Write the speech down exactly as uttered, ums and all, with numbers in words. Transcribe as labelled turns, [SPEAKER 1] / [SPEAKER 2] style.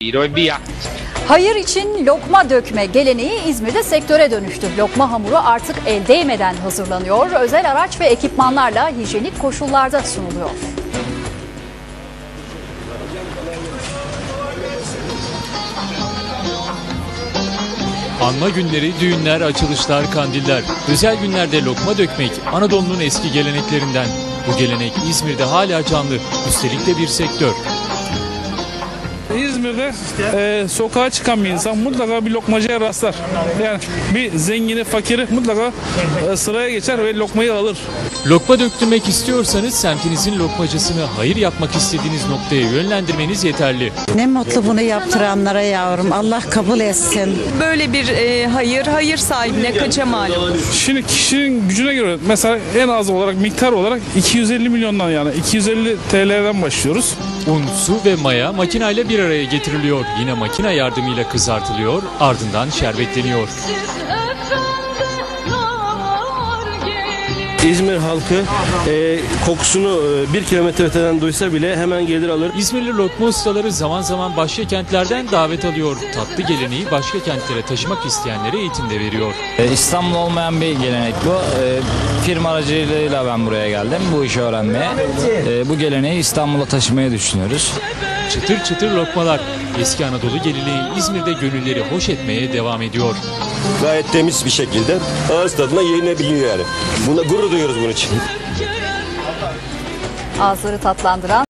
[SPEAKER 1] Hayır için lokma dökme geleneği İzmir'de sektöre dönüştü. Lokma hamuru artık el değmeden hazırlanıyor. Özel araç ve ekipmanlarla hijyenik koşullarda sunuluyor.
[SPEAKER 2] Anma günleri, düğünler, açılışlar, kandiller. Özel günlerde lokma dökmek Anadolu'nun eski geleneklerinden. Bu gelenek İzmir'de hala canlı, üstelik de bir sektör.
[SPEAKER 3] İzmir'de e, sokağa çıkan bir insan mutlaka bir lokmacıya rastlar. Yani bir zengini, fakiri mutlaka e, sıraya geçer ve lokmayı alır.
[SPEAKER 2] Lokma döktürmek istiyorsanız semtinizin lokmacısını hayır yapmak istediğiniz noktaya yönlendirmeniz yeterli.
[SPEAKER 4] Ne mutlu bunu yaptıranlara yavrum. Allah kabul etsin.
[SPEAKER 5] Böyle bir e, hayır, hayır sahibine kaça mal olur?
[SPEAKER 3] Şimdi kişinin gücüne göre mesela en az olarak miktar olarak iki yüz elli milyondan yani iki yüz elli T L'den başlıyoruz.
[SPEAKER 2] Un, su ve maya makinayla bir araya getiriliyor. Yine makine yardımıyla kızartılıyor, ardından şerbetleniyor.
[SPEAKER 6] İzmir halkı e, kokusunu e, bir kilometre öteden duysa bile hemen gelir alır.
[SPEAKER 2] İzmirli lokma ustaları zaman zaman başka kentlerden davet alıyor. Tatlı geleneği başka kentlere taşımak isteyenlere eğitim de veriyor.
[SPEAKER 7] İstanbul olmayan bir gelenek bu. Firma aracılığıyla ben buraya geldim bu işi öğrenmeye. Bu geleneği İstanbul'a taşımayı düşünüyoruz.
[SPEAKER 2] Çıtır çıtır lokmalar. Eski Anadolu geleneği İzmir'de gönülleri hoş etmeye devam ediyor.
[SPEAKER 8] Gayet temiz bir şekilde ağız tadına yenilebiliyor yani. Buna gurur duyuyoruz bunun için.
[SPEAKER 1] Ağızları tatlandıran